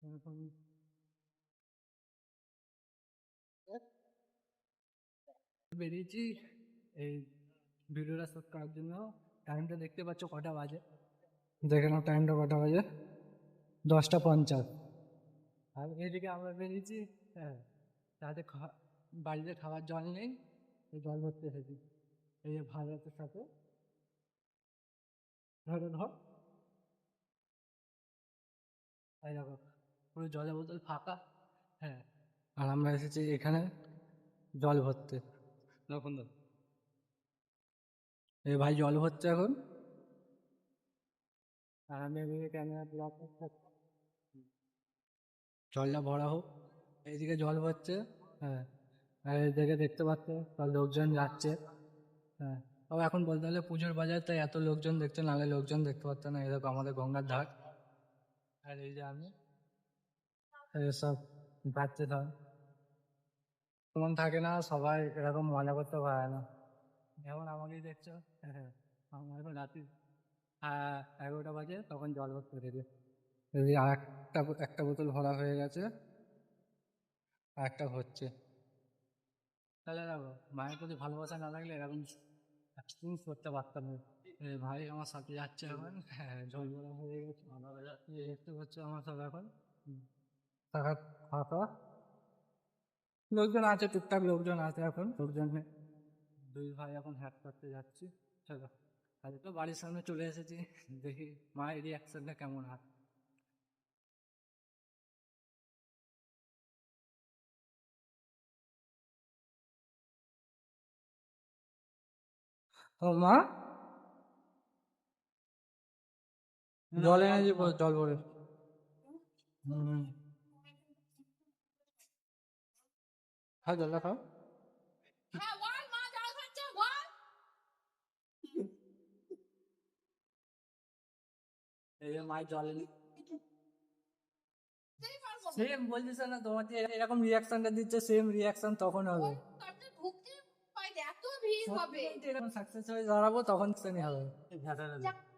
এখন বেরিয়েছি এই ভিডিওটা শ্যুট করার জন্য। টাইমটা দেখতে পাচ্ছ কটা বাজে, দেখে নাও টাইমটা কটা বাজে, 10টা 50। আর এদিকে আমরা বেরিয়েছি, হ্যাঁ, তাতে বাড়িতে খাবার জল নেই, এই জল ভরতে এসেছি। এই যে ভারতের সাথে ধরো ধর, এই দেখো পুরো জলের বোতল ফাঁকা। হ্যাঁ, আর আমরা এসেছি এখানে জল ভরতে। তখন এই ভাই জল ভরছে এখন, আর আমি এদিকে ক্যামেরা ব্লক করতে, জলটা ভরা হোক। এইদিকে জল ভরছে, হ্যাঁ, আর এদিকে দেখতে পাচ্ছ সব লোকজন যাচ্ছে। হ্যাঁ, তবে এখন বলতে গেলে পুজোর বাজার, তাই এত লোকজন দেখছে, নাহলে লোকজন দেখতে পারতো না। এরকম আমাদের গঙ্গার ধার, আর এই যে আমি সব যাচ্ছে সব, তেমন থাকে না, সবাই এরকম মজা করতে পারে না। যেমন আমাকেই দেখছো, হ্যাঁ, আমার এখন রাত্রি 11টা বাজে, তখন জল ভরতে পেরেছি। যদি আর একটা বোতল ভরা হয়ে গেছে, আর একটা হচ্ছে। তাহলে দেখো, মায়ের প্রতি ভালোবাসা না থাকলে এরকম এক্সপিরিয়েন্স করতে পারতাম না। ভাই আমার সাথে যাচ্ছে এখন, হ্যাঁ, জল ভরা হয়ে গেছে, দেখতে পাচ্ছ আমার সব এখন থাকা খাওয়া দাওয়া। লোকজন আছে, টুকটাক লোকজন আছে, এখন লোকজন নেই। দুই ভাই এখন হ্যাট করতে যাচ্ছি। চলো, আজ তো বাড়ির সামনে চলে এসেছি, দেখি মায়ের রিয়াকশনটা কেমন হয়। ও মা, জল এনেছি, জল ভরে। হম, খাও জলটা খাও। এই যে মায়ের জল এনে, সেম বলছিস না তোমার, যে এরকম রিয়াকশনটা দিচ্ছে, সেম রিয়াকশন তখন হবে। এরকম সাকসেস হয়ে দাঁড়াবো, তখন শ্রেণী হবে।